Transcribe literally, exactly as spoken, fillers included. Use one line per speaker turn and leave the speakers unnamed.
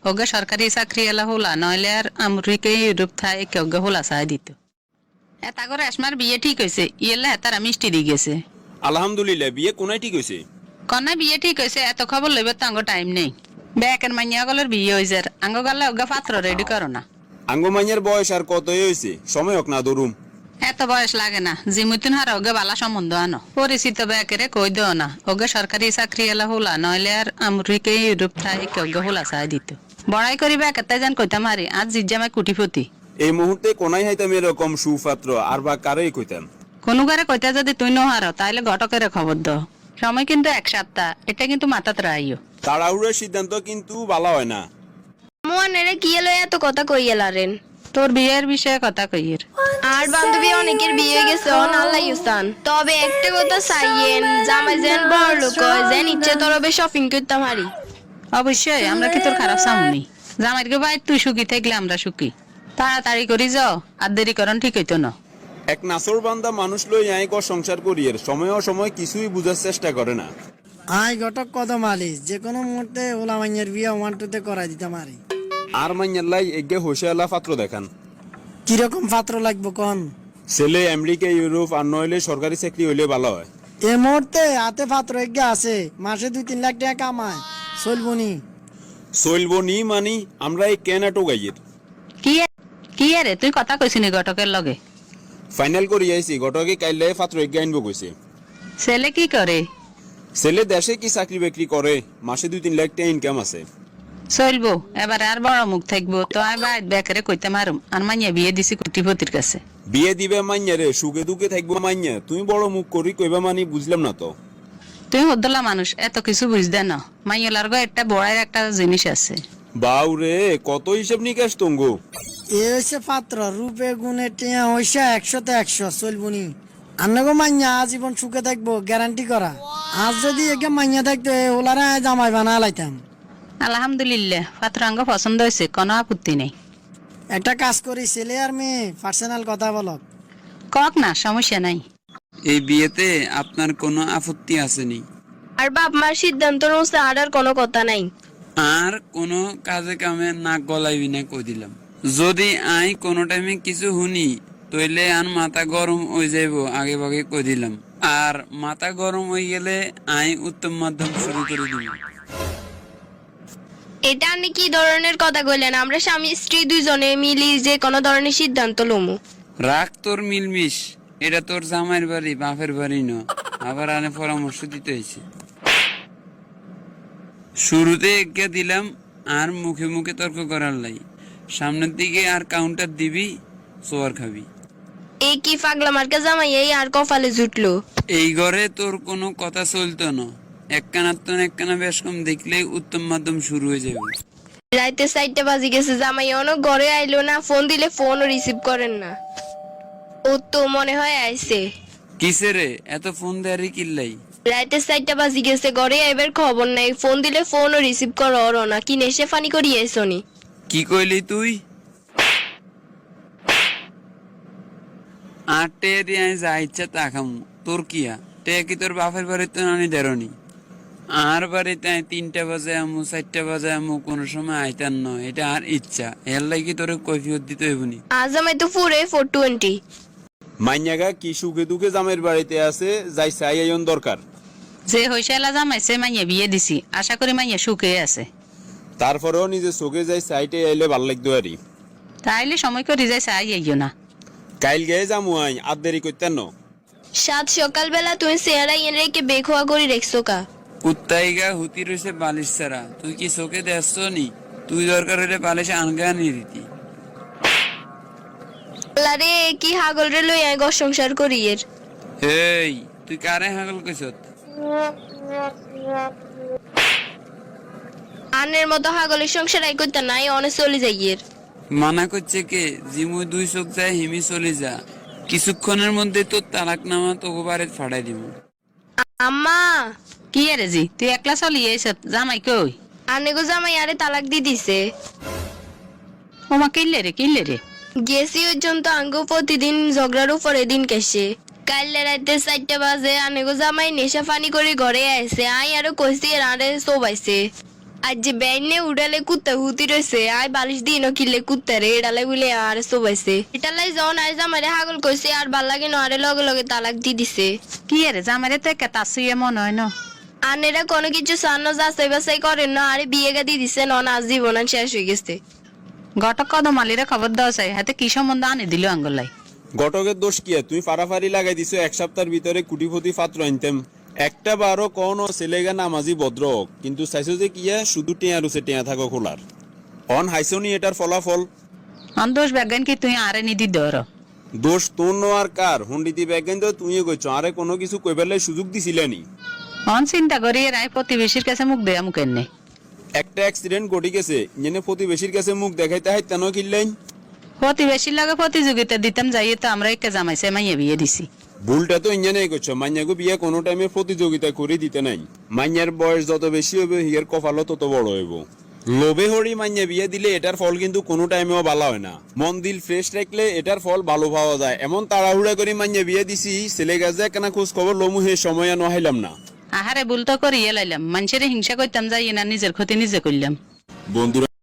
ওগে সরকারি চাকরি এলা হলা নইলে আর আমরিকে ইউরোপ থাই কেউগে হলা চাই দিত এটা করে আসমার বিয়ে ঠিক হয়েছে ইয়েলা হেতার মিষ্টি দি গেছে
আলহামদুলিল্লাহ বিয়ে কোনায় ঠিক হয়েছে
কন্যা বিয়ে ঠিক হয়েছে এত খবর লইবে তো আঙ্গ টাইম নেই বেকের মাইয়া গলের বিয়ে হয়েছে আঙ্গ গালে ওগে পাত্র রেডি করো না
আঙ্গমাইয়ের বয়স আর কতই হয়েছে সময় হোক না দরুম
এত বয়স লাগে না জিমুতিন হার ওগে বালা সম্বন্ধ আনো পরিচিত বেকেরে কই দেও না ওগে সরকারি চাকরি এলা হলা নইলে আর আমরিকে ইউরোপ থাই কেউগে হলা চাই দিত বড়াই করি বেকেতে যেন কইতাম হারি আজ জিজ্জামাই কুটিপতি
এই মুহূর্তে কোনায় হাইতাম এরকম সুপাত্র আর বা কারই কইতাম
কোনো গারে কইতা যদি তুই নহার তাইলে ঘটকের খবর দাও সময় কিন্তু এক সপ্তাহ এটা কিন্তু মাথাতে রাইও
তাড়াহুড়োর সিদ্ধান্ত কিন্তু ভালো হয় না
মোয়ানেরে কি এলো এত কথা কইয়েলারেন
তোর বিয়ের বিষয়ে কথা কইয়ের
আর বান্ধবী অনেকের বিয়ে হয়ে গেছে অন আল্লাহ ইউসান তবে একটা কথা চাইয়েন জামাই যেন বড় লোক হয় যেন ইচ্ছে তরবে শপিং করতাম হারি
অবশ্যই আমরা কি তোর খারাপ চামুনি জামাইকে ভাই তুই সুখী থাকলে আমরা সুখী তাড়াতাড়ি করি যাও আর দেরি করন ঠিক হইতো না
এক নাসর বান্দা মানুষ লই আয় কর সংসার করিয়ের সময় অসময় কিছুই বুঝার চেষ্টা করে না
আই ঘটক কদম আলি যে কোনো মুহূর্তে ওলা মাইয়ের বিয়ে ওয়ান টুতে করাই দিতাম আরি
আর মাইয়াল্লাই এগে হোসেলা পাত্র দেখান
কিরকম পাত্র লাগবো কোন
ছেলে আমেরিকা ইউরোপ আর নইলে সরকারি চাকরি হইলে ভালো হয়
এ মুহূর্তে হাতে পাত্র এগে আছে মাসে দুই তিন লাখ টাকা কামায় চলবনি
চলবো নি মানি আমরা এই কেনাটো গাইয়ের
কি কি রে তুই কথা কইছিনি ঘটকের লগে
ফাইনাল করি আইছি গটকে কাইলে পাত্র এগে আনবো কইছে
ছেলে কি করে
ছেলে দেশে কি চাকরি বাকরি করে মাসে দুই তিন লাখ টাকা ইনকাম আছে
চলবো এবারে আর বড় মুখ থাকবো তো আমি বাইর বেকারে কইতে মারুম আর মাইয়া বিয়ে দিছি কুটিপতির কাছে
বিয়ে দিবে মাইয়া রে সুখে দুঃখে থাকবো মাইয়া তুমি বড় মুখ করি কইবা মানি বুঝলাম না তো
তুই হদ্দলা মানুষ এত কিছু বুঝদে না মাইয়ালার গো একটা বড়ার একটা জিনিস আছে
বাউ রে কত হিসাব নিকাশ তঙ্গু
এ হয়েছে পাত্র রূপে গুণে টিয়া হইসা একশোতে একশো চলবনি আন্নাগো মাইয়া আজীবন সুখে থাকবো গ্যারান্টি করা আজ যদি একে মাইয়া থাকতো ওলারা জামাই বানা লাইতাম
আলহামদুলিল্লাহ পাত্রাঙ্গ পছন্দ হয়েছে কোনো আপত্তি নেই
একটা কাজ করি ছেলে আর মেয়ে পার্সোনাল কথা বলক
কক না সমস্যা নাই
এই বিয়েতে আপনার কোনো আপত্তি আসেনি
আর বাপ মার সিদ্ধান্ত অনুসারে আর আর কোনো কথা নাই
আর কোনো কাজে কামে নাক গলাইবি না কই দিলাম যদি আই কোনো টাইমে কিছু শুনি তইলে আর মাথা গরম হয়ে যাইব আগে ভাগে কই দিলাম আর মাথা গরম হয়ে গেলে আই উত্তম মাধ্যম শুরু করে দিব
এটা আপনি কি ধরনের কথা কইলেন আমরা স্বামী স্ত্রী দুইজনে মিলি যে কোনো ধরনের সিদ্ধান্ত লমু
রাখ তোর মিলমিশ এটা তোর জামাইয়ের বাড়ি বাপের বাড়ি ন আবার আনে পরামর্শ দিতে হয়েছে শুরুতে একে দিলাম আর মুখে মুখে তর্ক করার লাই সামনের দিকে আর কাউন্টার দিবি সোয়ার খাবি
এই কি পাগলা মার্কা জামাই এই আর কপালে জুটলো
এই ঘরে তোর কোনো কথা চলতো না একখানা তো একখানা বেশ কম দেখলেই উত্তম মাধ্যম শুরু হয়ে যাবে
রাইতে সাইডটা বাজি গেছে জামাই অনেক ঘরে আইলো না ফোন দিলে ফোনও রিসিভ করেন না ও তো মনে হয় আইছে
কিসে রে এত ফোন দেয়ারি কিল্লাই
রাইতে সাইডটা বাজি গেছে ঘরে এবার খবর নাই ফোন দিলে ফোনও রিসিভ করো না কি নেশে ফানি করি আইসনি
কি কইলি তুই আর টে দিয়ে যা ইচ্ছা তা খামু তোর কিয়া টে কি তোর বাপের বাড়িতে নানি দেরনি আর বাড়িতে তিনটা বাজে আমু চারটা বাজে আমু কোন সময় আইতার নয় এটা আর ইচ্ছা এর লাগি তোর কৈফিয়ত দিতে হইবনি
আজ আমি তো ফুরে ফোর টোয়েন্টি
মাইয়াগা কি সুখে দুঃখে জামের বাড়িতে আছে যাই চাই আইন দরকার
যে হইসালা জামাইছে মাইয়া বিয়ে দিছি আশা করি মাইয়া সুখে আছে
তারপরেও নিজে চোখে যাই সাইটে আইলে ভাল লাগতো আরি
তাইলে সময় করে যাই চাই আইও না
কাইল গিয়ে যামু আই আর দেরি করতেন না
সাত সকালবেলা তুমি চেহারা এনে রেখে বেখোয়া করে রেখছো কা
কুত্তাইগা হুতি রয়েছে বালিশ ছাড়া তুই কি চোখে দেখছ নি তুই দরকার হলে বালিশ আনগা নিয়ে দিতি
আরে কি হাগল রে লই আই ঘর সংসার করি এর
হেই তুই কারে হাগল কইছত
আনের মতো হাগলের সংসার আই করতে নাই অনেক চলে যাই এর
মানা করছে কে জিমু দুই চোখ যায় হিমি চলে যা কিছুক্ষণের মধ্যে তোর তালাকনামা তোকে বাড়ি ফাড়াই দিব
আম্মা
কি রে জি তুই একলা চলি এসব জামাই কই
আনে গো জামাই আরে তালাক দি দিছে
ওমা কিনলে রে কিনলে রে
গেছি পর্যন্ত আঙ্গ প্রতিদিন ঝগড়ার উপরে দিন কেসে কাল রাতে চারটা বাজে আনে গো জামাই নেশা ফানি করে ঘরে আইছে আই আরো কইছি আরে সোবাইছে আজ যে বেইনে উড়ালে কুত্তা হুতি রয়েছে আয় বালিশ দিন কিলে কুত্তা রে এডালে বলে আর সোবাইছে এটালাই যখন আজ আমারে হাগল কইছে আর ভাল লাগে না আরে লগে লগে তালাক দি দিছে
কি রে জামাইরে তো একটা তাসুয়ে মনে হয় না
আনেরা কোনো কিছু সান্ন যাচাই বাছাই করেন না আরে বিয়ে গা দি দিছে নন আজ জীবন শেষ হয়ে গেছে
ঘটক কদম আলীরে খবর দেওয়া চাই হাতে কি সম্বন্ধ আনি দিল আঙ্গুলাই
ঘটকের দোষ কি আর? তুই ফাড়াফাড়ি লাগাই দিছো এক সপ্তাহের ভিতরে কুটিপতি পাত্র আনতেম একটা বারো কোন ছেলেগা নামাজি ভদ্র হোক, কিন্তু চাইছো যে কিয়া শুধু টেয়া রুছে টেয়া থাকো খোলার অন হাইসনি এটার ফলাফল।
অন দোষ ব্যাগান কি তুই আরে নিদি দর
দোষ তোর নো আর কার হন্ডিতি ব্যাগেন তো তুই কইছ আরে কোনো কিছু কইবার সুযোগ দিছিলেনি।
অন চিন্তা করি রায় প্রতিবেশীর কাছে মুখ দেয়া মুখের নেই
একটা অ্যাক্সিডেন্ট ঘটে গেছে ইঞ্জনে প্রতিবেশীর কাছে মুখ দেখাইতে হয় তেন কিনলেন।
প্রতিবেশীর লাগে প্রতিযোগিতা দিতাম যাইয়ে তো আমরা একটা জামাইছে মাইয়ে বিয়ে দিছি
ভুলটা তো ইঞ্জনে করছো, মাইয়াকে বিয়ে কোনো টাইমে প্রতিযোগিতা করে দিতে নাই। মাইয়ার বয়স যত বেশি হবে হিয়ার কপালও তত বড় হইব। লোভে হরি মাইয়া বিয়ে দিলে এটার ফল কিন্তু কোনো টাইমেও ভালো হয় না। মন দিল ফ্রেশ রাখলে এটার ফল ভালো পাওয়া যায়। এমন তাড়াহুড়া করে মাইয়া বিয়ে দিছি ছেলে গাছে কেনা খোঁজ খবর লমু হে সময় আর নহাইলাম না।
আহারে ভুল তো করিয়ে লাইলাম মানুষের হিংসা করতাম যাইয়ে না নিজের ক্ষতি নিজে করলাম।
বন্ধুরা